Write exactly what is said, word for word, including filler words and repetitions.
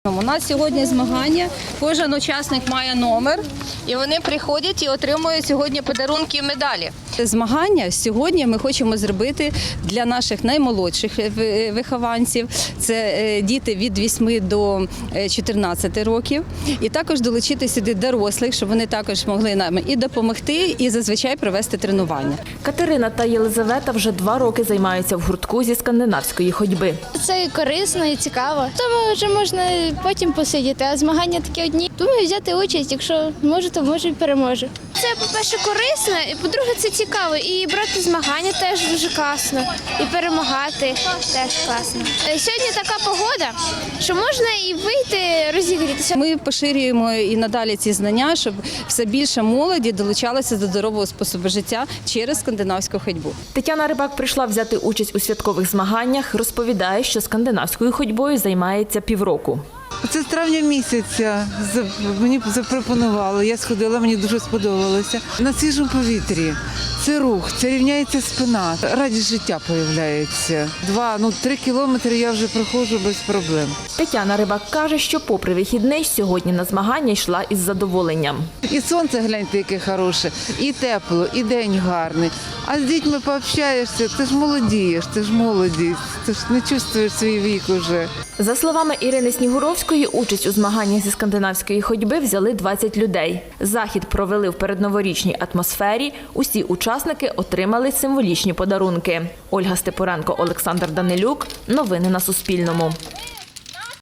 У нас сьогодні змагання, кожен учасник має номер, і вони приходять і отримують сьогодні подарунки і медалі. Змагання сьогодні ми хочемо зробити для наших наймолодших вихованців. Це діти від вісьми до чотирнадцяти років. І також долучити сюди дорослих, щоб вони також могли нам і допомогти, і зазвичай провести тренування. Катерина та Єлизавета вже два роки займаються в гуртку зі скандинавської ходьби. Це і корисно, і цікаво. Тому вже можна потім посидіти, а змагання такі одні. Думаю, взяти участь, якщо можу, то можу і переможу. Це, по-перше, корисно, і по-друге, це цікаво. І брати змагання теж дуже класно, і перемагати теж класно. Сьогодні така погода, що можна і вийти розігрітися. Ми поширюємо і надалі ці знання, щоб все більше молоді долучалося до здорового способу життя через скандинавську ходьбу. Тетяна Рибак прийшла взяти участь у святкових змаганнях, розповідає, що скандинавською ходьбою займається півроку. Це з травня місяця мені запропонували, я сходила, мені дуже сподобалося. На свіжому повітрі це рух, це рівняється спина, радість життя з'являється. Два, ну три кілометри я вже проходжу без проблем. Тетяна Рибак каже, що попри вихідний сьогодні на змагання йшла із задоволенням. І сонце, гляньте, яке хороше, і тепло, і день гарний. А з дітьми пообщаєшся, ти ж молодієш, ти ж молодість, ти ж не чувствуєш свій вік уже. За словами Ірини Снігуровської, участь у змаганнях зі скандинавської ходьби взяли двадцять людей. Захід провели в передноворічній атмосфері. Усі учасники отримали символічні подарунки. Ольга Степуренко, Олександр Данилюк. Новини на Суспільному.